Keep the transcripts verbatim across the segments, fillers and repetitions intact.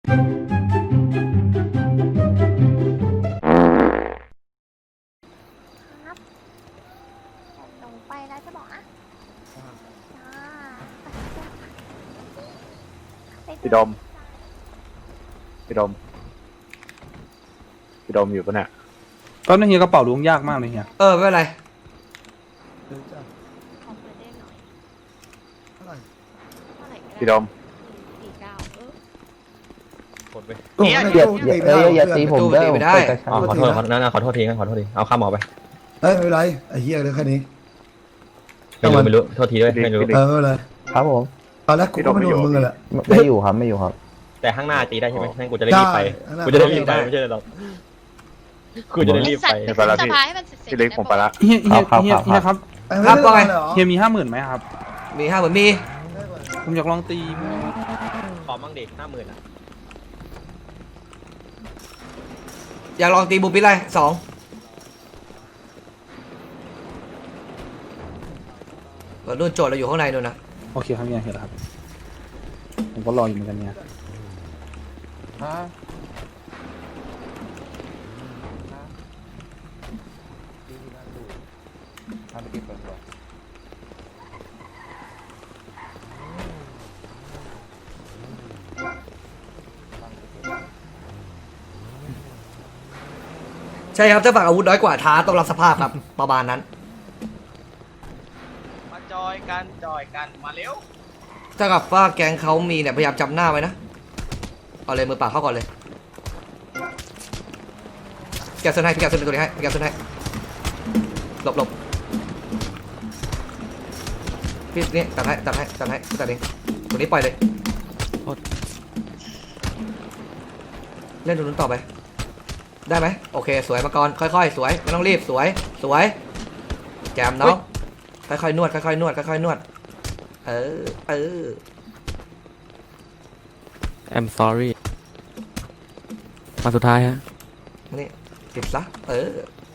ครับลงไปแล้วจะบอกอ่ะพี่ดมพี่ดมพี่ดมอยู่ปะเนี่ยตอนนี้เฮียกระเป๋าล้วงยากมากเลยเฮียเออไม่เป็นไรขอเปิดได้หน่อยเท่าไหร่ก็พี่ดได้มสี่เก้าเออกดไปเนี่ยอย่าอย่าอย่าตีผมเด้อผมเปิดกระชัอ๋อบ ขอโทษขอโทษนะขอโทษทีนะขอโทษทีเอาข้ามหมอไปเอ้ยไม่เป็นไรไอ้เหี้ยเลยแค่นี้ไม่รู้ไม่รู้โทษทีด้วยไม่รู้เออไม่เป็นไรครับผมตอนแรกกูก็ไม่โดนมึงกันแหละไม่อยู่ครับไม่อยู่ครับแต่ข้างหน้าตีได้ใช่ไหมนั่นกูจะได้รีบไปได้กูจะได้รีบไปไม่ใช่หรอกกูจะได้รีบไปสัตว์สภาให้มันเสร็จๆพี่เล็กผมไปละเฮียเฮียเฮียเฮียครับครับว่าไงเฮียมีห้าหมื่นไหมครับมีห้าเหมือนมีผมอยากลองตีขอมั่งเด็กห้าหมื่นอ่ะอยากลองตีบูปิดไรสองนู่นโจทย์เราอยู่ข้างในนู่นนะโอเคครับเฮียเห็นแล้วครับผมก็รออยู่เหมือนกันเนี่ยใช่ครับถ้าฝั่งอาวุธน้อยกว่าท้าต้องรับสภาพครับ ประมาณนั้นมาจอยกันจอยกันมาเร็วถ้ากับว่าแกงเขามีเนี่ยพยายามจำหน้าไว้นะเอาเลยมือเปล่าเข้าก่อนเลยแกะเส้นให้พี่แกะเส้นตัวนี้ให้พี่แกะเส้นให้หลบหลบพี่นี่ตัดให้ตัดให้ตัดให้ตัดเองตัวนี้ปล่อยเลยเล่นตัวนู้นต่อไปได้ไหมโอเคสวยมาก่อนค่อยๆสวยไม่ต้องรีบสวยสวยแจมน้องค่อยๆนวดค่อยๆนวดค่อยๆนวดเออเออ I'm sorry มาสุดท้ายฮะนี่ติดซะเออ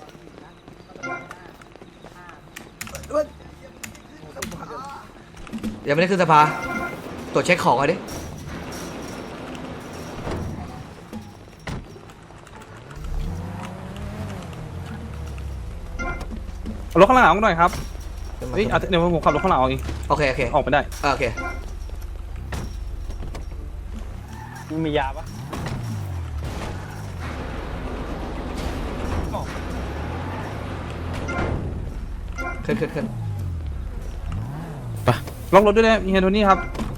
ยังไม่ได้ขึ้นสภาตรวจเช็คของเอาดิเอารถข้างหลังออกหน่อยครับเฮ้ยเอาเดี๋ยวผมขับรถข้างหลังออกเองโอเคโอเคออกไปได้โอเคมียาปะขึ้นขึ้นขึ้นล็อกรถด้วยนะเฮียโทนี่ครับ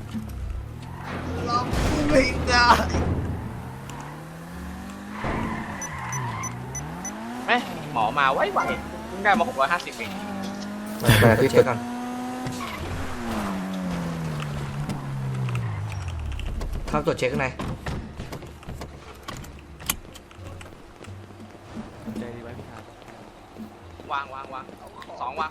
แม่หมอมาไวๆเพิ่งได้มาหกร้อยห้าสิบเองมาพี่เช็คก่อนเข้าตรวจเช็คข้างในวางวางวางสองวาง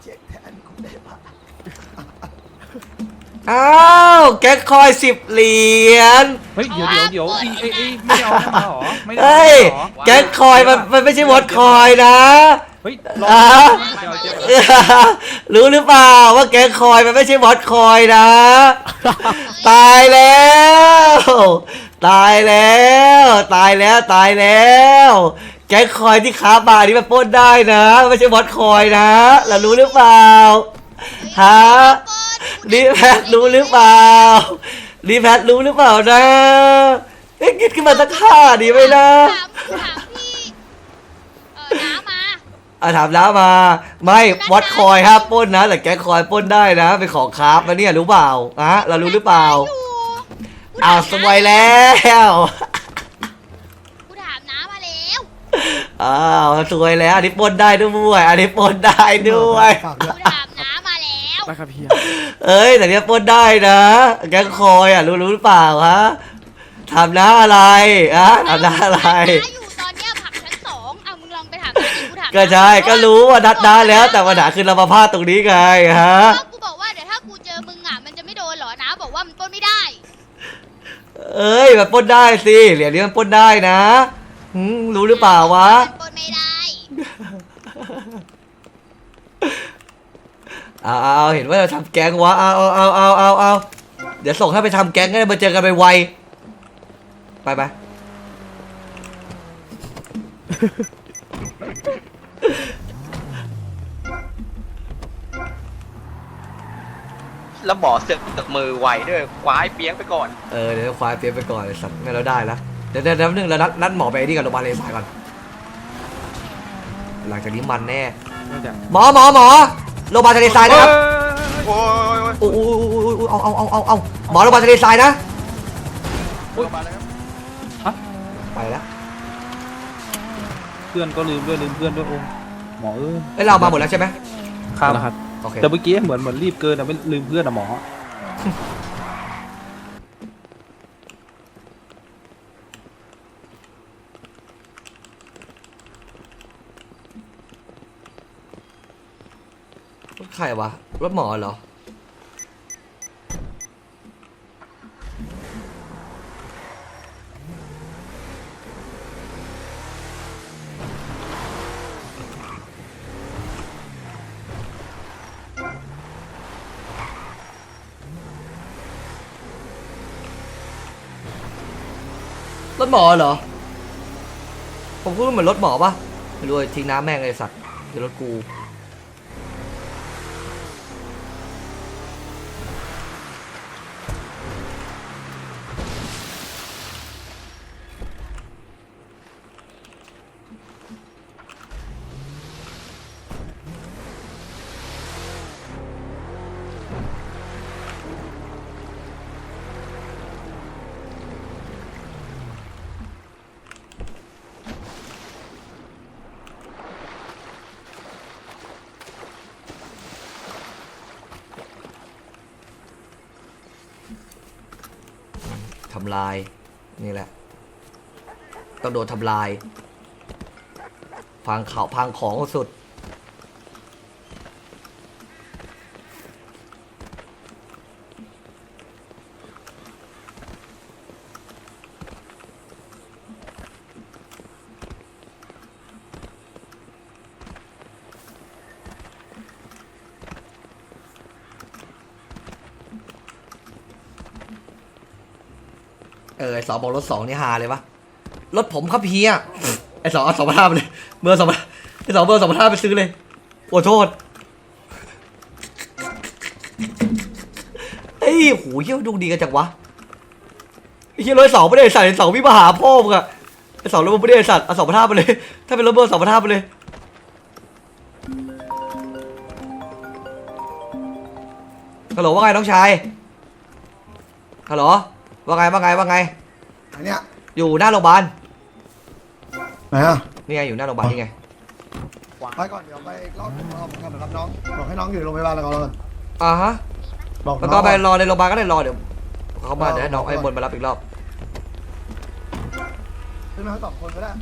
อ้าวแก๊กคอยสิบเหรียญเฮ้ยเดี๋ยวเดี๋ยวเดี๋ยวอีเอ้ยเอ้ยไม่ได้เอามาเหรอไม่ได้เอาเฮ้ยมาเหรอแก๊กคอยมันมันไม่ใช่วอดคอยนะเฮ้ยลองอ่ะเดี๋ยวเดี๋ยวรู้หรือเปล่าว่าแก๊กคอยมันไม่ใช่วอดคอยนะ ตายแล้ว ตายแล้ว ตายแล้วตายแล้ว แก๊กคอยที่ค้าบาร์นี่มันปล้นได้นะไม่ใช่วอดคอยนะเรารู้หรือเปล่าฮะรีแพทรู้หรือเปล่ารีแพทรู้หรือเปล่านะเอ๊ะคิดขึ้นมาสักข้าดีไหมนะถามถามพี่เออน้ามาอ่ะถามแล้วมาไม่วัดคอยห้ามปล้นนะแต่แก๊กคอยปล้นได้นะเป็นของคราฟนะเนี่ยรู้เปล่าอะเรารู้หรือเปล่าอยู่อ้าวสวยแล้วกูถามน้ามาแล้วอ้าวสวยแล้วอันนี้ปล้นได้ด้วยอันนี้ปล้นได้ด้วยฝากกูด้วยถามน้ามาแล้วได้ครับเฮียเอ้ยแต่เนี้ยปล้นได้นะแก๊กคอยอ่ะรู้รู้หรือเปล่าฮะทำน้าอะไรอะทำน้าอะไรน้าอยู่ตอนเนี้ยผักชั้นสองเอามึงลองไปถามน้าดิกูถามก็ใช่ก็รู้ว่านัดน้าแล้วแต่ปัญหาคือเรามาพลาดตรงนี้ไงฮะก็กูบอกว่าเดี๋ยวถ้ากูเจอมึงอ่ะมันจะไม่โดนเหรอน้าบอกว่ามันปล้นไม่ได้เอ้ยมันปล้นได้สิเหรียญนี้มันปล้นได้นะหืมรู้หรือเปล่าวะมันปล้นไม่ได้เอาเอาเห็นว่าจะทำแก๊งวะเอาเอาเอาเอาเอาเอาเดี๋ยวส่งให้ไปทำแก๊งก็ได้มาเจอกันไปไวไปไปแล้วหมอเสือกตึกมือไวด้วยคว้าไอ้เปียงไปก่อนเออเดี๋ยวควายเตรียมไปก่อนไอ้สัตว์งั้นเราได้แล้วเดี๋ยวเดี๋ยวเดี๋ยวนึงเรานัดนัดหมอไปที่กับโรงพยาบาลเลสายก่อนหลังจากนี้มันแน่หมอหมอหมอโรงพยาบาลทะเลทรายนะครับโอ้ยโอ้โหเอาเอาเอาเอาเอาหมอโรงพยาบาลทะเลทรายนะอุ้ยมาแล้วครับไปแล้วเพื่อนก็ลืมด้วยลืมเพื่อนด้วยองค์หมอเอ้ยเอ้ยเรามาหมดแล้วใช่ไหมครับแล้วครับโอเคแต่เมื่อกี้เหมือนเหมือนรีบเกินอะไม่ลืมเพื่อนอะหมอใครวะรถหมอเหรอรถหมอเหรอผมพูดว่าเหมือนรถหมอปะไม่รู้ทิ้งน้ำแม่งเลยสัตว์เดี๋ยวรถกูทำลายนี่แหละต้องโดนทำลายพังเขาพังของสุดเออไอสองบอกรถสองนี่ฮาเลยวะรถผมครับเฮียไอสองเอาสองพันห้าไปเลยเบอร์สองพันไอสองเบอร์สองพันห้าไปซื้อเลยโอ้โทษเฮ้ยโหเฮียดูดีกันจังวะไอเฮียรถสองไม่ได้ใส่สองวิบหาพ่อมึงอะไอสองรถมึงไม่ได้สัตว์เอาสองพันห้าไปเลยถ้าเป็นรถเบอร์สองพันห้าไปเลยฮัลโหลว่าไงน้องชายฮัลโหลว่าไงว่าไงว่าไงอันเนี้ยอยู่หน้าโรงพยาบาลไหนอ่ะนี่ไงอยู่หน้าโรงพยาบาลนี่ไงไปก่อนเดี๋ยวไปรอบรอบกันรับน้องบอกให้น้องอยู่ในโรงพยาบาลแล้วก่อนอ่าฮะบอกแล้วก็ไปรอในโรงพยาบาลก็ได้รอเดี๋ยวเขามาเดี๋ยวให้น้องไอ้บนมารับอีกรอบขึ้นมาทั้งสองคนก็ได้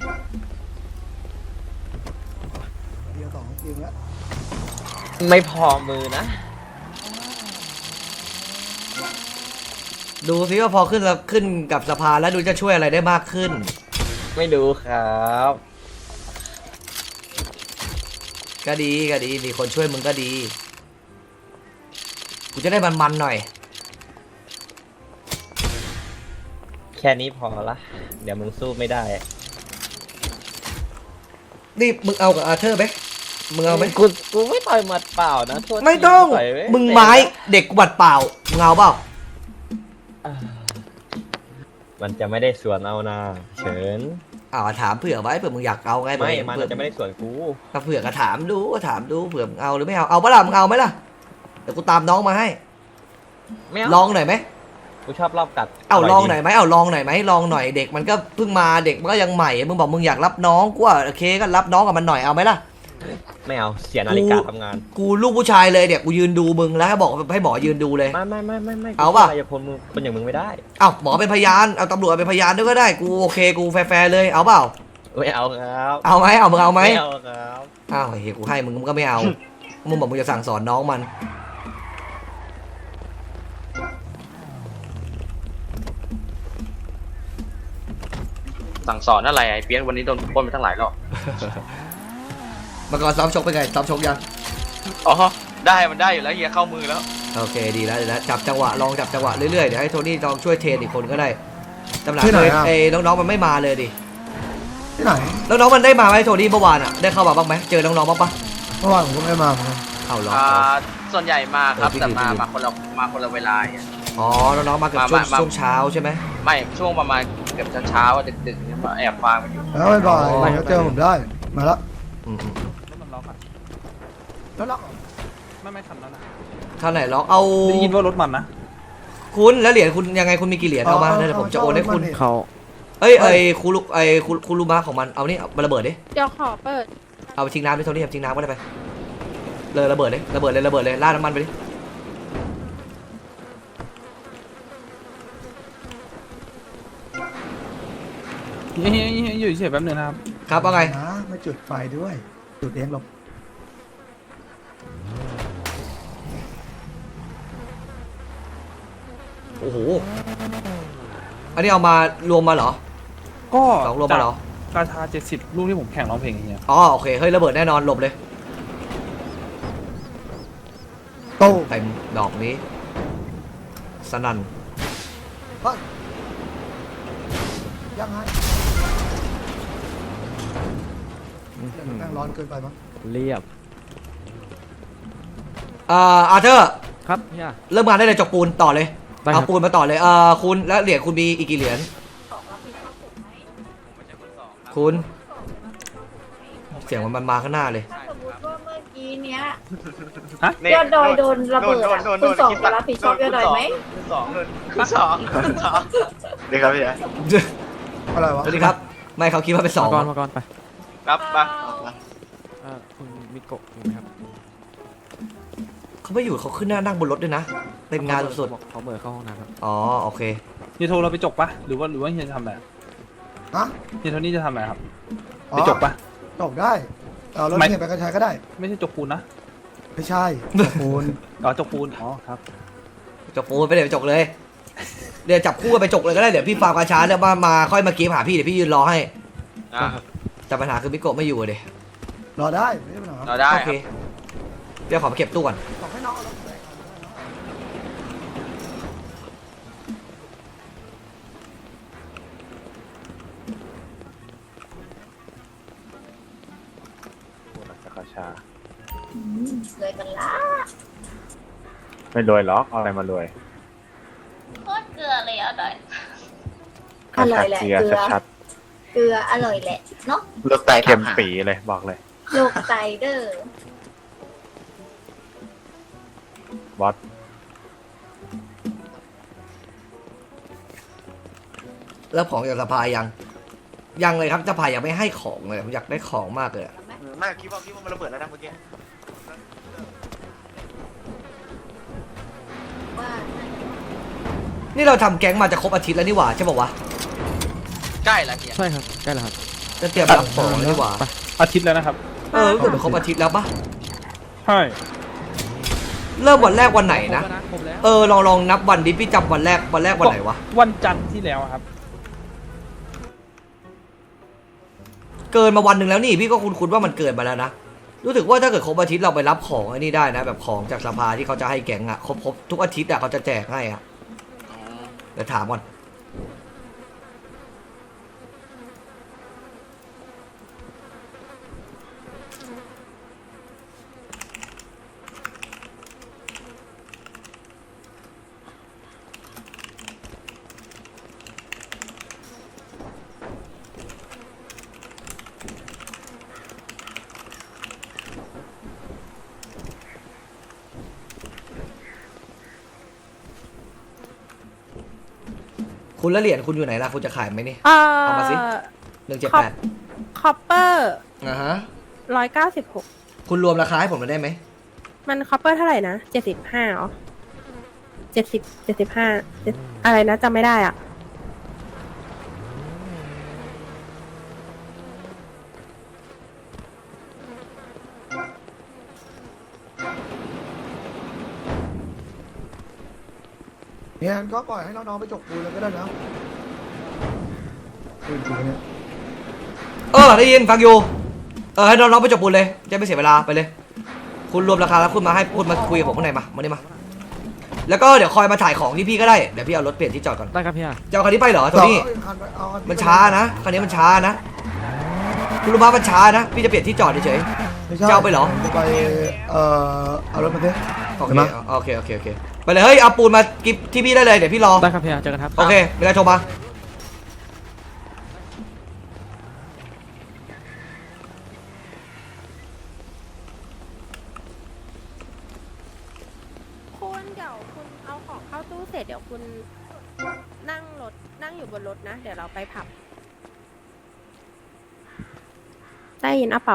เดียวสองทีมแล้วไม่พอมือนะดูซิว่าพอขึ้นแล้วขึ้นกับสะพานแล้วดูจะช่วยอะไรได้มากขึ้นไม่ดูครับก็ดีก็ดีมีคนช่วยมึงก็ดีกูจะได้มันๆหน่อยแค่นี้พอละเดี๋ยวมึงสู้ไม่ได้นี่มึงเอากับอาเธอร์ไหมมึงเอาไหมกูกูไม่ต่อยหมัดเปล่านะโทษทีไม่ต้องต่ยมึงไม้เด็กบัดเปล่ามึงเอาเปล่ามันจะไม่ได้สวนเอานาเฉินอ้าวถามเผื่อไว้เผื่อมึงอยากเอาไงไม่เผื่อมันเผื่อจะไม่ได้สวนกูถ้าเผื่อก็ถามดูก็ถามดูเผื่อมึงเอาหรือไม่เอาเอาปะล่ะมึงเอาไหมล่ะเดี๋ยวกูตามน้องมาให้ไม่ลเอาองหน่อยไหมกูชอบรอบกัดเอาร่ยลองดีหน่อยไหมเอาลองหน่อยไหมลองหน่อยเด็กมันก็เพิ่งมาเด็กมันก็ยังใหม่มึงบอกมึงอยากรับน้องกูว่าโอเคก็รับน้องกับมันหน่อยเอาไหมล่ะไม่เอาเสียนาฬิกาทำงานกูลูกผู้ชายเลยเดี๋ยวกูยืนดูมึงแล้วให้บอกให้หมอยืนดูเลยไม่ไม่ไม่ไม่ไม่เอาป่ะอย่าพลมึงคนอย่างมึงไม่ได้เอ้าหมอเป็นพยานเอาตำรวจเป็นพยานด้วยก็ได้กูโอเคกูแฟร์ๆเลยเอาเปล่าไม่เอาครับเอาไหมเอามึงเอาไหมไม่เอาครับอ้าวเฮ้ยกูให้มึงมึงก็ไม่เอามึงบอกมึงจะสั่งสอนน้องมันสั่งสอนอะไรไอ้เปียงวันนี้โดนปล้นไปทั้งหลายรอบมาก่อนซ้อมชกเป็นไงซ้อมชกยังอ๋อได้มันได้อยู่แล้วเฮียเข้ามือแล้วโอเคดีแล้วดีแล้วจับจังหวะลองจับจังหวะเรื่อยๆเดี๋ยวให้โทนี่ลองช่วยเทรนอีกคนก็ได้จำหน่ายเลยไอ้น้องๆมันไม่มาเลยดิที่ไหนแล้วน้องมันได้มาไหมโทนี่เมื่อวานอ่ะได้เข้ามาบ้างไหมเจอน้องๆบ้างปะเมื่อวานผมก็ไม่ได้มาเหมือนกันเอาหรออ่าส่วนใหญ่มาครับเออพี่แต่มาพี่มาคนละมาคนละเวลาอ่ะอ๋อน้องๆมาเกือบช่วงมามาช่วงเช้าใช่ไหมไม่ช่วงประมาณเกือบเช้าๆอะดึกๆเนี่ยมาแอบฟังกันอยู่แล้วบ่ายๆเดี๋ยวเจอผมได้มาละอืมรถมันล็อกอะแล้วล็อกเหรอไม่ไม่ทันแล้วนะๆท่านไหนลองเอาได้ยินว่ารถมันนะคุณแล้วเหรียญคุณยังไงคุณมีกี่เหรียญเอามาเดี๋ยวผมจะโอนให้คุณเขาเอ้ยไอ้คูรุไอ้คูคูรุมะของมันเอานี่เอามาระเบิดดิเดี๋ยวขอเปิดเอาไปทิ้งน้ำดิโทนี่เอาทิ้งน้ำก็ได้ไปเลยระเบิดเลยระเบิดเลยระเบิดเลยราดน้ำมันไปดิเฮ้ยเฮ้ยเฮ้ยอยู่เฉยๆแป๊บนึงนะครับครับว่าไงนะไม่จุดไฟด้วยจุดเองหรอกโอ้โหอันนี้เอามารวมมาเหรอก็สองรวมมาเหรอกาชาเจ็ดสิบลูกที่ผมแข่งร้องเพลงอย่างเงี้ยอ๋อโอเคเฮ้ยระเบิดแน่นอนหลบเลยโตเต็มดอกนี้สนั่นเฮ้ยยังไงแม่งร้อนเกินไปมั้งเรียบเอ่ออาร์เธอร์ครับเฮียเริ่มงานได้เลยจกปูนต่อเลยได้คเอารับปูนมาต่อเลยเอ่อคุณแล้วเหรียญคุณมีอีกกี่เหรียญคุณเสียงมันมาข้างหน้าเลยสมมติว่าเมื่อกี้เนี้ยนี่ยอดดอยโดนระเบิดอะโนโนคุณโนสองคิจะรับผิดชอบยอดดอยไหมคุณสองคุณสองคุณสองดีครับพี่อะไรวะสวัสดีครับไม่เขาคิดว่าเป็นสองมาก่อนมาก่อนไปครับมาเอ่อคุณมิโกะอยู่ไหมครับเขาไม่อยู่เขาขึ้นหน้านั่งบนรถด้วยนะเต็มงานสุดบอกเขาเบิร์เข้าห้องน้ำครับๆอ๋อโอเคเฮียโทรเราไปจกปะหรือว่าหรือว่าเฮียจะทำอะไรฮะเฮียโทนี่จะทำอะไรครับอ๋อไปจกปะจบได้เอารถไม่เนี่ยไปกระชายก็ได้ไม่ใช่จกปูนนะไม่ใช่ปูนอ๋อจกปูนอ๋อครับจกปูนไปเดี๋ยวไปจกเลยเดี๋ยวจับคู่กันไปจกเลยก็ได้เดี๋ยวพี่ฟาร์มกาชาเดี๋ยวมามาค่อยมาเกมหาพี่เดี๋ยวพี่ยืนรอให้อ่าแต่ปัญหาคือมิโกะไม่อยู่อะเดี๋ยรอได้ไม่ได้ปัญหาเราได้โอคเครับ เดี๋ยวขอมาเก็บตู้ก่อนบอกให้น้องเอารถไปกาชาเลยกันละไม่รวยหรอกเอาอะไรมารวยโคตรเกลือเลยอ่ะดอยกาชาเกลือชัดเกลืออร่อยแหละเนาะๆเลือกไตเค็มปีเลยบอกเลยโลกไตเดอร์บอสแล้วของจากสภายังยังเลยครับสภายังไม่ให้ของเลยผมอยากได้ของมากเลยอะไม่คิดว่าคิดว่ามันระเบิดแล้วนะเมื่อกี้ว่านี่เราทำแก๊งมาจะครบอาทิตย์แล้วนี่หว่าใช่ป่าวะใกล้ละเฮียใช่ครับใกล้แล้วครับจะเตรียมรับของแล้วนี่หว่าอาทิตย์แล้วนะครับเออรู้สึกเป็นครบอาทิตย์แล้วปะใช่เริ่มวันแรกวันไหนนะครบแล้วครบแล้วเออลองลองนับวันดิพี่จำวันแรกวันแรกวันไหนวะวันจันทร์ที่แล้วอะครับเกินมาวันหนึ่งแล้วนี่พี่ก็คุ้นๆว่ามันเกินมาแล้วนะรู้สึกว่าถ้าเกิดครบอาทิตย์เราไปรับของไอ้นี่ได้นะ แบบของจากสภาที่เขาจะให้แก๊งอะครบครบทุกอาทิตย์อะเขาจะแจกให้อะเดี๋ยวถามก่อนคุณละเหรียญคุณอยู่ไหนล่ะคุณจะขายไหมนี่เอ่เอามาสิอหนึ่งเจ็ดแปดคอปเปอร์อ่าฮะร้อยเก้าสิบหกคุณรวมราคาให้ผมมาได้ไหมมันคอปเปอร์เท่าไหร่นะเจ็ดสิบห้าเหรอเจ็ดสิบเจ็ดสิบห้าอะไรนะจำไม่ได้อ่ะเนี่ยก็ปล่อยให้น้องๆไปจกปูนเลยก็ได้นะปูนปูนเนี่ยเออได้ยินฟังอยู่เออให้น้องๆไปจบปูนเลยจะไม่เสียเวลาไปเลย คุณรวมราคาแล้วคุณมาให้พูดมาคุยกับผมข้างในมามานี่มาแล้วก็เดี๋ยวคอยมาถ่ายของที่พี่ก็ได้เดี๋ยวพี่เอารถเปลี่ยนที่จอดก่อนได้ครับพี่จะเอาคันนี้ไปเหรอโทนี่เอาคัมันช้านะคันนี้มันช้านะคุณรู้ป่ะมันช้านะพี่จะเปลี่ยนที่จอดเฉยไม่ใช่จะเอาไปเหรอจะไปเอ่อเอารถมาดิๆโอเคเห็นไหมโอเคโอเคโอเคไปเลยเฮ้ยเอาปูนมากิฟที่พี่ได้เลยเดี๋ยวพี่รอได้ครับพี่เจอกันครับโอเคเวลาโทรมาคุณเดี๋ยวคุณเอาของเข้าตู้เสร็จเดี๋ยวคุณนั่งรถนั่งอยู่บนรถนะ เดี๋ยวเราไปผับได้ยินอะเปล่า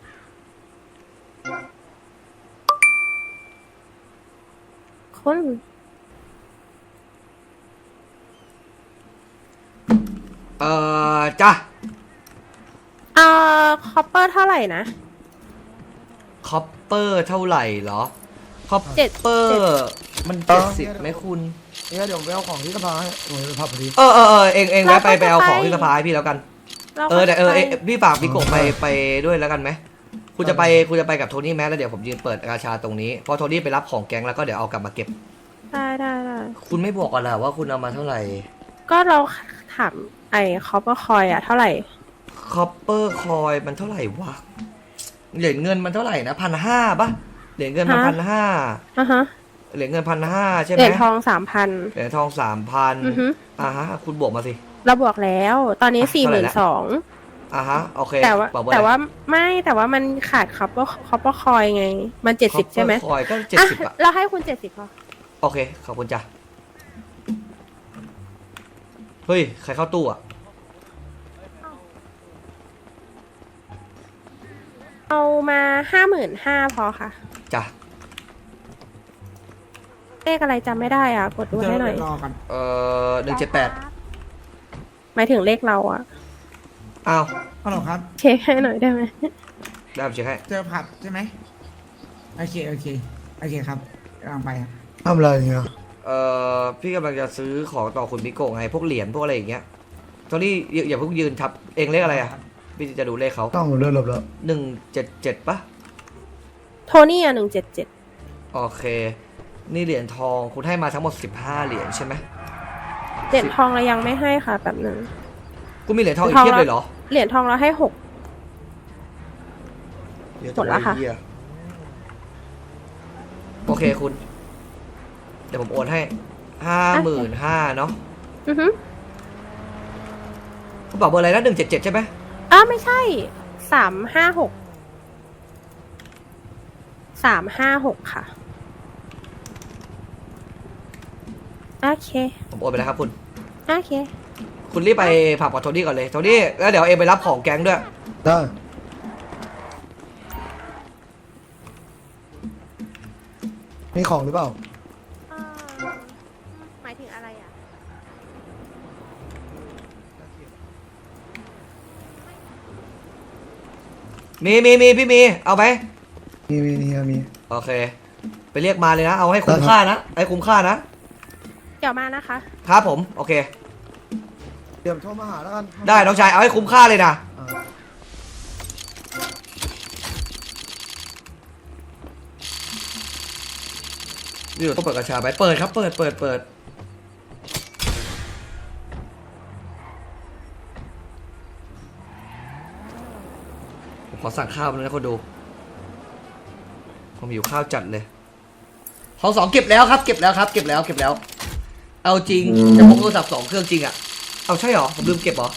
คุณเอ่อจ้ะเอ่อคอปเปอร์เท่าไหร่นะคอปเปอร์เท่าไหร่เหรอคอปเจ็ดเปอร์มันเจ็ดสิบไหมคุณเนี่ยเดี๋ยวไปเอาของที่สภาให้โอ้ยไปพับพอดีเออเออเออเองเองแวะไปไปเอาของที่สภาให้พี่แล้วกันราเออแต่เออเอไปพี่ฝากพี่โกะไปไปด้วยแล้วกันไหมคุณจะไปคุณจะไปกับโทนี่แมแล้วเดี๋ยวผมยืนเปิดกาชาตรงนี้พอโทนี่ไปรับของแก๊งแล้วก็เดี๋ยวเอากลับมาเก็บได้ได้ได้คุณไม่บอกกันเหรอว่าคุณเอามาเท่าไหร่ก็เราถามไอ้คอปเปอร์คอยอะเท่าไหร่คอปเปอร์คอยมันเท่าไหร่วะเหรียญเงินมันเท่าไหร่นะพันห้าปะเหรียญเงินมันพันห้าอ่ะฮะเหรียญเงินพันห้าใช่ไหเหมรียญทองสามพันเหรียญทองสามพันอือฮึอ่าฮะคุณบวกมาสิเราบวกแล้ว ตอนนี้อ่ะสี่หเท่าไหร่มื่นละสองอ่าฮะโอเคแต่ว่าบอกเบอร์แต่อะไรว่าไม่แต่ว่ามันขาดคอปเปอร์คอปเปอร์คอยไง มันเจ็ดสิบใช่ไหมคอยก็เจ็ดอ่ะสิบอะเราให้คุณเจ็ดสิบพอโอเคขอบคุณจ้ะเฮ้ยใครเข้าตู้อะเอามาห้าหมื่นห้าพอค่ะจ้ะเลขอะไรจำไม่ได้อ่ะ กดดูให้หน่อยเอ่อหนึ่งเจ็ดแปดหมายถึงเลขเราอ่ะอ้าวฮัลโหลครับเช็คให้หน่อยได้ไหมได้ผมเช็คให้เจอผับใช่ไหมโอเค โอเค โอเคครับกำลังไปครับทำอะไรเนี่ยเอ่อพี่กำลังจะซื้อของต่อคุณมิโกะไงพวกเหรียญพวกอะไรอย่างเงี้ยโทนี่อย่าอย่าเพิ่งยืนทับเองเลขอะไรอะพี่จะดูเลขเขาต้องเลื่อนหลบแล้วหนึ่งเจ็ดเจ็ดปะโทนี่อ่ะหนึ่งเจ็ดเจ็ดโอเค นี่เหรียญทองคุณให้มาทั้งหมดสิบห้าเหรียญใช่ไหมเหรียญทองเรายังไม่ให้ค่ะแบบหนึ่งคุณมีเหรียญทองอีกเทียบเลยเหรอเหรียญทองเราให้หกเดี๋ยวหมดแล้วค่ะเหี้ยโอเคคุณ เดี๋ยวผมโอนให้ห้าหมื่นห้าเนาะอือฮึคุณบอกเบอร์อะไรนะหนึ่งเจ็ดเจ็ดใช่ไหมอ้าวไม่ใช่สามห้าหกสามห้าหกค่ะ โอเคผมโอนไปแล้วครับคุณโอเคคุณรีบไปผับกับโทนี่ก่อนเลยโทนี่แล้วเดี๋ยวเองไปรับของแก๊งด้วยได้มีของหรือเปล่าเอ่อหมายถึงอะไรอ่ะมีมีมีพี่มีเอาไหมมีมีมีมีโอเค ไปเรียกมาเลยนะ เอาให้คุ้มค่านะให้คุ้มค่านะเดี๋ยวมานะคะครับผมโอเคเดี๋ยวโทรมาหาแล้วกันได้น้องชายเอาให้คุ้มค่าเลยนะอ่านี่เราต้องเปิดกระชาไปเปิดครับเปิดเปิดเปิดผมขอสั่งข้าวเลยนะคนดูผมหิวข้าวจัดเลยห้องสองเก็บแล้วครับเก็บแล้วครับเก็บแล้วเก็บแล้ว เอาจริงจะพกโทรศัพท์สองเครื่องจริงอ่ะเอาใช่เหรอผมลืมเก็บเหรอ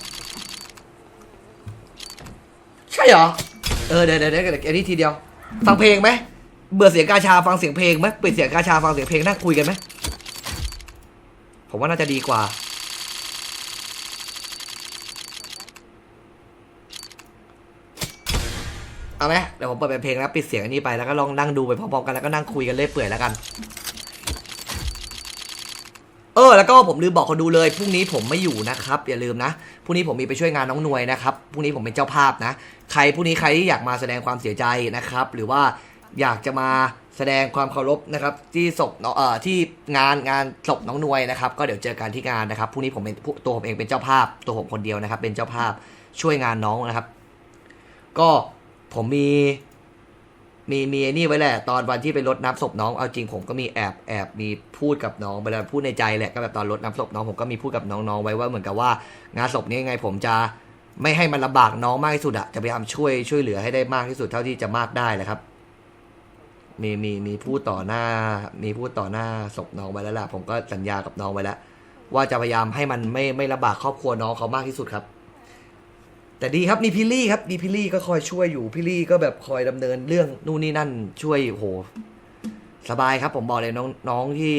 ใช่เหรอเออเดี๋ยวเดี๋ยวเดี๋ยวอันนี้ทีเดียวฟังเพลงไหมเบื่อเสียงกาชาฟังเสียงเพลงไหมปิดเสียงกาชาฟังเสียงเพลงนั่งคุยกันไหมผมว่าน่าจะดีกว่าเอาไหมเดี๋ยวผมเปิดเป็นเพลงแล้วปิดเสียงอันนี้ไปแล้วก็ลองนั่งดูไปพร้อมๆกันแล้วก็นั่งคุยกันเรื่อยเปื่อยแล้วกันเออแล้วก็ผมลืมบอกคนดูเลยพรุ่งนี้ผมไม่อยู่นะครับอย่าลืมนะพรุ่งนี้ผมมีไปช่วยงานน้องนวยนะครับพรุ่งนี้ผมเป็นเจ้าภาพนะใครพรุ่งนี้ใครที่อยากมาแสดงความเสียใจนะครับหรือว่าอยากจะมาแสดงความเคารพนะครับที่ศพเอ่อที่งานงานศพน้องนวยนะครับก็เดี๋ยวเจอกันที่งานนะครับพรุ่งนี้ผมเป็นตัวผมเองเป็นเจ้าภาพตัวผมคนเดียวนะครับเป็นเจ้าภาพช่วยงานน้องนะครับก็ผมมีมีมีไอ้นี่ไว้แหละตอนวันที่ไปรดน้ำศพน้องเอาจริงผมก็มีแอบแอบมีพูดกับน้องไปแล้วพูดในใจแหละก็แบบตอนรดน้ำศพน้องผมก็มีพูดกับน้องๆไว้ว่าเหมือนกับว่างานศพนี้ยังไงผมจะไม่ให้มันลำบากน้องมากที่สุดอะจะพยายามช่วยช่วยเหลือให้ได้มากที่สุดเท่าที่จะมากได้แหละครับ มีมีมีพูดต่อหน้า มีพูดต่อหน้าศพน้องไว้แล้วล่ะผมก็สัญญากับน้องไว้แล้วว่าจะพยายามให้มันไม่ไม่ลำบากครอบครัวน้องเขามากที่สุดครับ แต่ดีครับมีพี่ลี่ครับมีพี่ลี่ก็คอยช่วยอยู่พี่ลี่ก็แบบคอยดำเนินเรื่องนู่นนี่นั่นช่วยโหสบายครับ ผมบอกเลยน้องน้องที่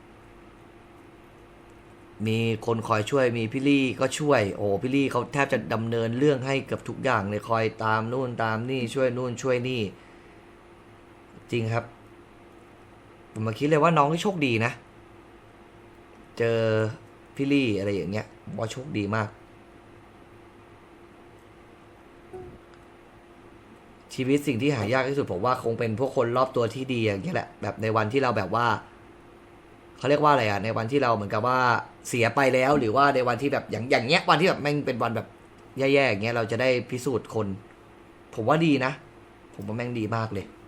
มีคนคอยช่วยมีพี่ลี่ก็ช่วยโอ้พี่ลี่เขาแทบจะดำเนินเรื่องให้เกือบทุกอย่างเลยคอยตามนู่นตามนี่ช่วยนู่นช่วยนี่ จริงครับผมมาคิดเลยว่าน้องที่โชคดีนะ เจอพี่ลี่อะไรอย่างเงี้ยว่าโชคดีมาก ชีวิตสิ่งที่หายากที่สุดผมว่าคงเป็นพวกคนรอบตัวที่ดีอย่างเงี้ยแหละแบบในวันที่เราแบบว่าเขาเรียกว่าอะไรอะในวันที่เราเหมือนกับว่าเสียไปแล้วหรือว่าในวันที่แบบอย่างอย่างเงี้ยวันที่แบบแม่งเป็นวันแบบแย่ๆอย่างเงี้ยเราจะได้พิสูจน์คน ผมว่าดีนะ ผมว่าแม่งดีมากเลย